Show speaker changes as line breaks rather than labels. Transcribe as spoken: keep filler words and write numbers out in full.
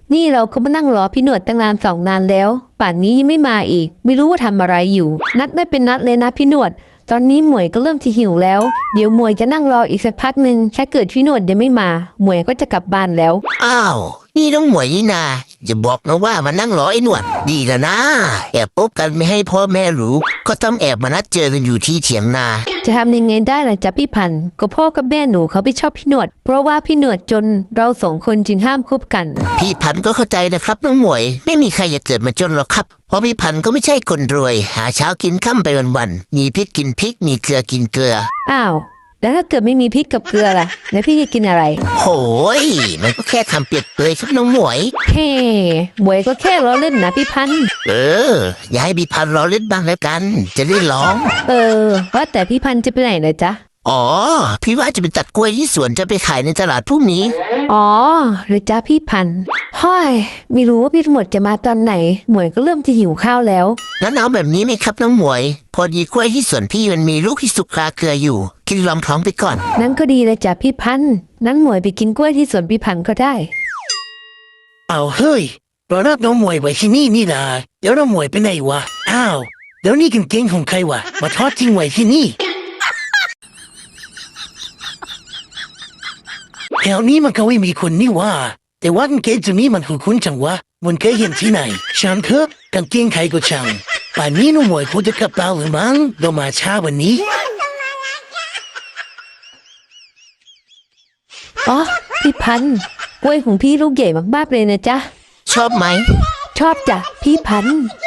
นี่เราก็มานั่งรอพี่หนวดตั้งนานสองนานแล้ว ป่านนี้ยังไม่มาอีก ไม่รู้ว่าทำอะไรอยู่ นัดไม่เป็นนัดเลยนะพี่หนวด ตอนนี้หมวยก็เริ่มที่หิวแล้ว เดี๋ยวหมวยจะนั่งรออีกสักพักหนึ่งถ้าเกิดพี่หนวดยังไม่มา หมวยก็จะกลับบ้านแล้ว
อ้าวนี่น้องหมวยนี่นาอย่าบอกนะว่ามานั่งรอไอ้หนวดดีแล้วนะแอบพบกันไม่ให้พ่อแม่รู้ก็ต้องแอบมานัดเจอกันอยู่ที่เถียงนา
จะทำยังไงได้ล่ะจ๊ะพี่พันธุ์ก็พ่อกับแม่หนูเขาไม่ชอบพี่หนวด เพราะว่าพี่หนวดจนเราสองคนจึงห้ามคบกัน
พี่พันธุ์ก็เข้าใจนะครับน้องหมวยไม่มีใครอยากเกิดมาจนหรอกครับเพราะพี่พันธุ์ก็ไม่ใช่คนรวยหาเช้ากินค่ำไปวันๆมีพริกกินพริกมีเกลือกินเกลือ
อ้าวแล้วถ้าเกิดไม่มีพริกกับเกลือล่ะแล้วพี่จะกินอะไร
โหยมันก็แค่ทำเปรียบเปรยครับน้องหมวย
เฮ้หมวยก็แค่ล้อเล่นนะพี่พันธุ์
เอออย่าให้พี่พันธุ์รอเล่นบ้างแล้วกัน จะได้ร้อง
เออว่าแต่พี่พันธุ์จะไปไหนเลยจ๊ะ
อ๋อพี่ว่าจะไปตัดกล้วยที่สวนจะไปขายในตลาดพรุ่งนี้
อ๋อหรือจ้าพี่พันธุ์ห้อยไม่รู้ว่าพี่หมวดจะมาตอนไหน หมวยก็เริ่มจะหิวข้าวแล้ว
งั้นเอาแบบนี้ไหมครับน้องหมวย พอดีกล้วยที่สวนพี่มันมีลูกที่สุกคาเกลืออยู่กินลอมท้องไปก่อน
นั้นก็ดีเลยจ้ะพี่พันธุ์นั้นหมวยไปกินกล้วยที่สวนพี่พันธุ์ก็ได้
เอาเฮ้ยเรารับน้องมวยไว้ที่นี่นี่นะเดี๋ยวน้องมวยไปไหนวะอ้าวเดี๋ยวนี่กางเกงของใครวะมาทอดทิ้งไว้ที่นี่แถวนี้มันก็ไม่มีคนนี่วะแต่ว่ากางเกงตัวนี้มันคุ้นๆจังวะมันเคยเห็นที่ไหนช่างเถอะกางเกงใครก็ช่างป่านนี้น้องมวยคงจะกลับบ้านหรือมั้งเรามาช้าวันนี้
อ๋อพี่พันธุ์กล้วยของพี่ลูกใหญ่มากๆเลยนะจ๊ะ
ชอบไหม
ชอบจ้ะพี่พันธุ์